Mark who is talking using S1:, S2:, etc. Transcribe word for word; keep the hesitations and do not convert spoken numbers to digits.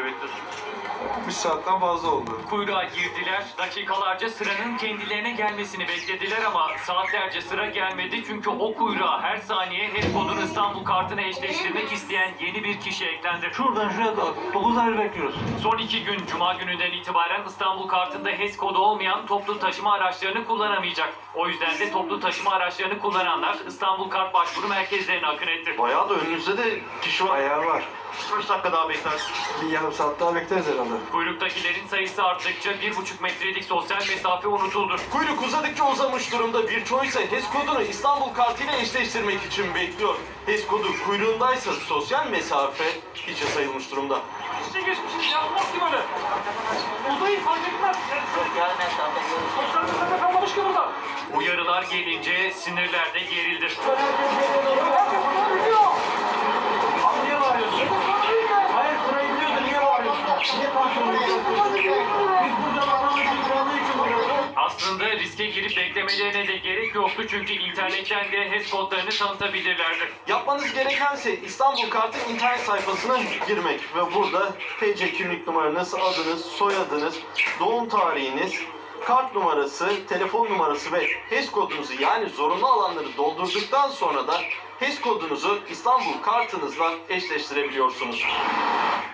S1: bekliyorsun?
S2: Bir saatten fazla oldu.
S3: Kuyruğa girdiler, dakikalarca sıranın kendilerine gelmesini beklediler ama saatlerce sıra gelmedi çünkü o kuyruğa her saniye HES kodunu İstanbul kartına eşleştirmek isteyen yeni bir kişi eklendi.
S1: Şuradan şuraya kadar dokuz ay bekliyoruz.
S3: Son iki gün Cuma gününden itibaren İstanbul kartında HES kodu olmayan toplu taşıma araçlarını kullanamayacak. O yüzden de toplu taşıma araçlarını kullananlar İstanbul Kart başvuru merkezlerine akın etti.
S1: Bayağı da önünüzde de kişi var.
S2: Ayar var.
S1: Kaç dakika daha beklersin?
S2: Bir yarım saat daha bekleriz herhalde.
S3: Kuyruktakilerin sayısı arttıkça bir buçuk metrelik sosyal mesafe unutuldu.
S1: Kuyruk uzadıkça uzamış durumda. Birçoğu ise HES kodunu İstanbul kartıyla eşleştirmek için bekliyor. HES kodu kuyruğundaysa sosyal mesafe hiçe sayılmış durumda.
S4: İşte geçmişiz yapmaz ki böyle. Uzayı fark etmez. Sosyal mesafe kalmamış ki burada.
S3: Uyarılar gelince sinirler de gerildi.
S4: Niye bağırıyorsun? Hayır sırayı biliyordu niye bağırıyorsun? Niye kontrol ediyorsun? Biz burada bağlamayı kurallı için vuruyoruz.
S3: Aslında riske girip beklemelerine de gerek yoktu çünkü internetten de HES kodlarını tanıtabilirlerdi.
S1: Yapmanız gerekense İstanbul Kart'ın internet sayfasına girmek ve burada T C kimlik numaranız, adınız, soyadınız, doğum tarihiniz, kart numarası, telefon numarası ve HES kodunuzu yani zorunlu alanları doldurduktan sonra da HES kodunuzu İstanbul Kartınızla eşleştirebiliyorsunuz.